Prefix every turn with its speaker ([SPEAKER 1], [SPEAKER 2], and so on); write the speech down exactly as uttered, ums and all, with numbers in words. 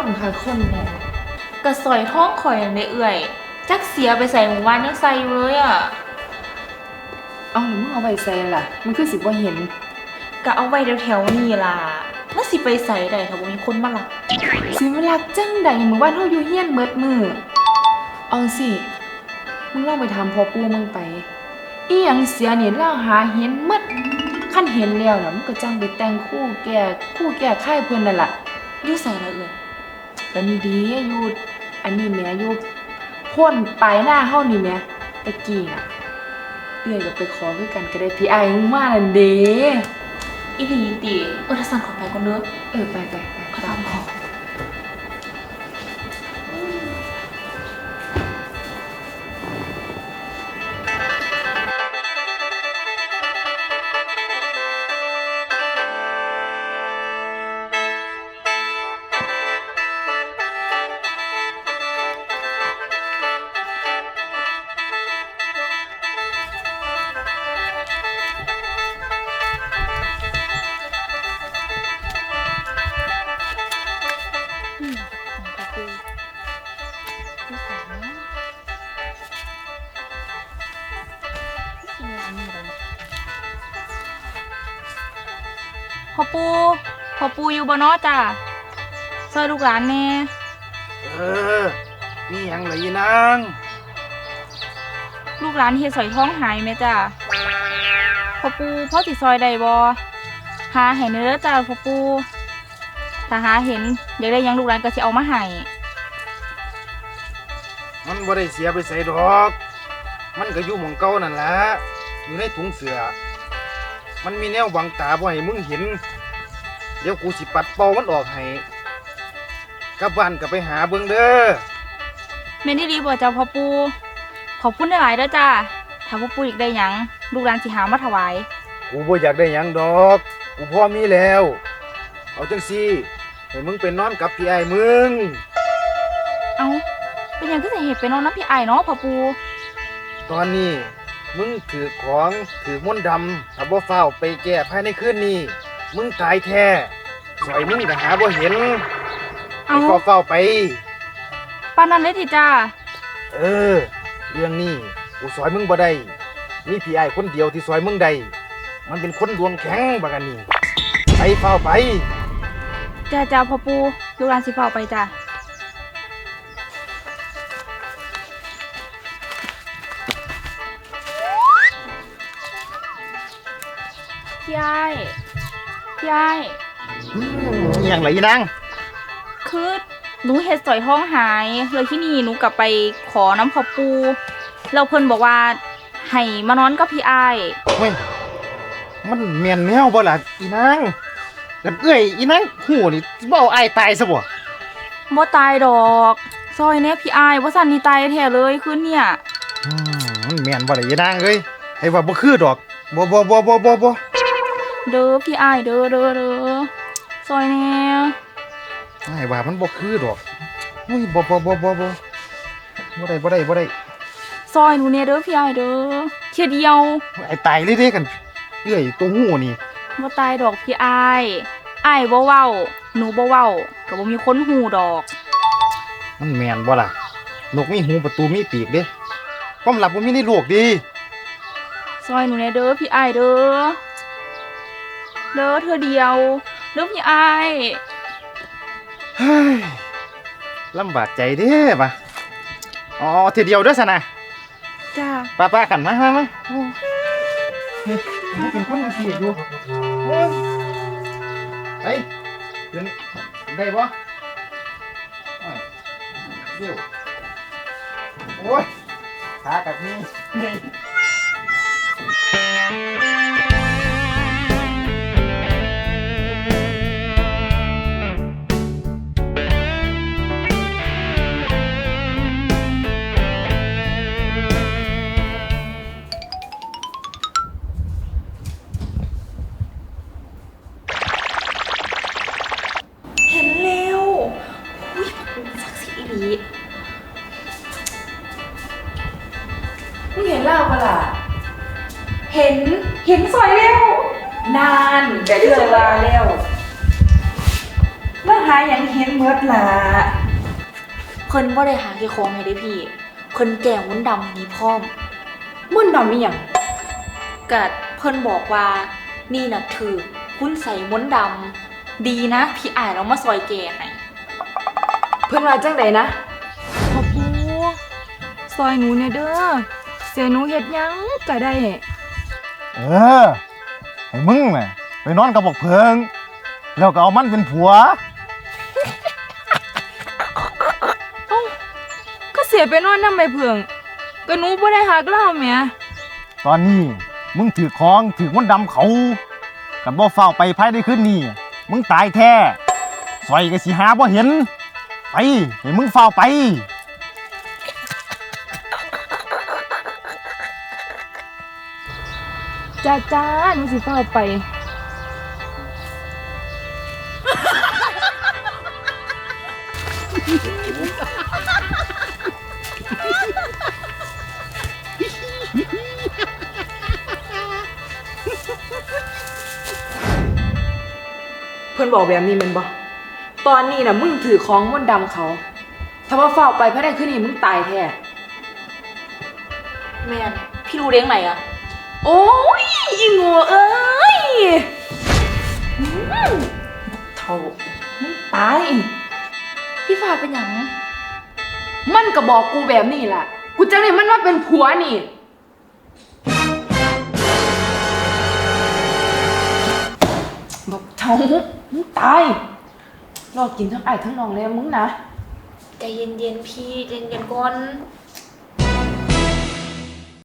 [SPEAKER 1] คนค่ะคนแน่
[SPEAKER 2] กระสอยท้องข่อยในเอื่อยจักเสียไปใส่หมู่บ้านยังใส่อยู่เลยอ่ะ
[SPEAKER 1] เอาหรือมึงเอาไปใส่ล่ะมันคือสิบ่เห็น
[SPEAKER 2] ก็เอาไว้แถวๆนี่ล่ะมันสิไปใส่ได้ถ้าบ่มีคนมาลัก
[SPEAKER 1] สิมาลักจังใดมื้อวานเฮาอยู่เฮียนเบิดมื้อเอาสิมึงลองไปถามพ่อปู่มึงไปอีหยังเสียนี่ล่าหาเห็นหมดคันเห็นแล้วน่ะมึงก็จังไปแต่งคู่แก่คู่แก่ค่ายเพิ่นนั่นล่ะ
[SPEAKER 2] อยู่ใส่ละเอื่อย
[SPEAKER 1] ก็นี่ดีอยู่อันนี้แหมอยู่พ่นปลายหน้าเฮานี่แหมตะกี้น่ะเอื้อยก็ไปขอคือกันก็ได้พี่อ้ายมึงมานั่นเด้
[SPEAKER 2] อีหลีติเออถ้าสั่นขอไปก่อนเด้อ
[SPEAKER 1] เออไปไปไป
[SPEAKER 2] ขอตามขอพ่อปูพ่อปูอยู่บ่เนาะจ้ะซอยลูกหลานแน่
[SPEAKER 3] เออมีหยังเหรอยีนาง
[SPEAKER 2] ลูกหลานเฮ็ดสอยท้องหายไหมจ้ะพ่อปูพ่อสิซอยได้บ่หาให้เด้อจ้ะพ่อปูถ้าหาเห็นอยากได้หยังลูกหลานก็สิเอามาให้
[SPEAKER 3] มันบ่ได้เสียไปใส่ดอก มันก็อยู่หม่องเก่านั่นแหละอยู่ในถุงเสื้อมันมีแนวบังตาบ่ให้มึงเห็นเดี๋ยวกูสิปัดเป่ามันออกให้กลับบ้านก็ไปหาเบิ่งเด้อ
[SPEAKER 2] แม่นดีบ่จ้ะพ่อปูขอบคุณหลายๆเด้อจ้ะถ้าพ่อปูอยากได้หยังลูกหลานสิหามาถวาย
[SPEAKER 3] กูบ่อยากได้หยังดอกกูพอมีแล้วเอาจังซี่ให้มึงไปนอนกับพี่อ้ายมึง
[SPEAKER 2] เอาเป็นหยังคือสิเฮ็ดไปนอนนำพี่อ้ายเนาะพ่อปู
[SPEAKER 3] ตอนนี้มึงถือของถือมนต์ดำถ้าบ่เฝ้าไปแก้ภายในคืนนี้มึงตายแท้สอยมึงก็หาบ่เห็นเอาเฝ้าเฝ้าไป
[SPEAKER 2] ปานนั้นเลยติจ้า
[SPEAKER 3] เออเรื่องนี้กูสอยมึงบ่ได้มีพี่อ้ายคนเดียวที่สอยมึงได้มันเป็นคนดวงแข็งบักอันนี้ไปเฝ้าไป
[SPEAKER 2] จ้าจ้าพ่อปูลูกหลานสิเฝ้าไปจ้าพี่ไอ้พี่ไอ้
[SPEAKER 3] อย่างไรนาง
[SPEAKER 2] คือหนูเฮ็ดสอยท้องหายเลยที่นี่หนูกลับไปขอน้ำพ่อปูเราเพิ่นบอกว่าให้มานอนกับพี่ไอ้
[SPEAKER 3] เฮ้ยมันเมียนแมวบ่ล่ะอีนางแล้วเอ้ยอีนางหูนี่บ่เอาไอ้ตายซะบ่
[SPEAKER 2] บ่ตายดอกซอยแน่พี่ไอ้บ่สั่นนี่ตายแท้เลยคืนเนี่ย
[SPEAKER 3] อืมมันเมียนบ่ล่ะอีนางเอ้ยไอ้ว่าบ่คือดอกบ่บ่บ่บ่บ่บ่
[SPEAKER 2] เด้อพี่อ้ายเด้อเด้อเด้อซอยแน่
[SPEAKER 3] ไอ้ว่ามันบ่คือดอกอุ้ยบ่บ่บ่บ่บ่บ่ได้บ่ได้บ่ได้
[SPEAKER 2] ซอยหนูแน่เด้อพี่อ้ายเด้อเที่ยเดียว
[SPEAKER 3] ไอ้ตายเลยเด้กันเอ้ยตัวหูนี่
[SPEAKER 2] บ่ตายดอกพี่อ้ายอ้ายบ่เว้าหนูบ่เว้าก็บ่มีคนฮู้ดอก
[SPEAKER 3] มันแม่นบ่ล่ะนกมีหูประตูมีปีกเด้ความลับบ่มีในโลกดี
[SPEAKER 2] ซอยหนูแน่เด้อพี่อ้ายเด้อเด้อเธอเดียวเด้อพี่ไอ้
[SPEAKER 3] เฮ้ยลำบากใจเด้ป่ะอ๋อเธอเดียวเด้อสนะ
[SPEAKER 2] จ้า
[SPEAKER 3] ป้าป้ากันมามามาเฮ้ยเป็นคนขี้อยู่ไปเดินได้ปะเดี๋ยวโอ้ยขากับนี่
[SPEAKER 1] มึงเห็นเล่าปะล่ะ
[SPEAKER 2] เห็นเห็นซอยเร็วน
[SPEAKER 1] านแต่เรื่องลาแล้วแล้วหาหยังเห็นเมิดล่ะ
[SPEAKER 2] เพิ่นบ่ได้หาแค่ของให้ได้พี่ เพิ่นแกล้งมนต์ดำนี่พร้อม
[SPEAKER 1] มึนดำอีหยัง
[SPEAKER 2] ก็เพิ่นบอกว่านี่น่ะถือคุณใส่มนต์ดำดีนะพี่อ่านเอามาซอยแกให้
[SPEAKER 1] เพิ่นว่าจังใดนะ
[SPEAKER 2] พ่อปูซอยหนูเนี่ยเด้อเสียหนูเฮ็ดหยังก็ได้
[SPEAKER 3] เออให้มึงน่ะไปนอนกับบอกเพิง แล้วก็เอามันเป็นผัว
[SPEAKER 2] ก็เสียไปนอนนำใบเพิงก็หนูบ่ได้หักเล่าแหม
[SPEAKER 3] ตอนนี้มึงถือของถือมันต์ดำเขากันบ่เฝ้าไปภายในคืนนี้มึงตายแท้สอยก็สิหาบ่เห็น ไปให้มึงเฝ้าไป
[SPEAKER 2] จ้าจ้าหนูสิเฝ้าไป
[SPEAKER 1] เพิ่นบอกแบบนี้แม่นบ่ตอนนี้น่ะมึงถือของมนต์ดำเขา ถ้าว่าเฝ้าไปภายในคืนนี้มึงตายแท้
[SPEAKER 2] แม่นพี่รู้เด้งไหนอะ
[SPEAKER 1] โอ้ยอีโง่เอ้ยอืมเท่ามึงตาย
[SPEAKER 2] พี่ฟ้าเป็นหยัง
[SPEAKER 1] มันก็บอกกูแบบนี้ล่ะ กูจังได้มันว่าเป็นผัวนี่บอกเท่ามึงตาย รอกินทั้งไอ้ายทั้งน้องเลยมึงนะ
[SPEAKER 2] ใจเย็นๆพี่ใจเย็นๆก่อน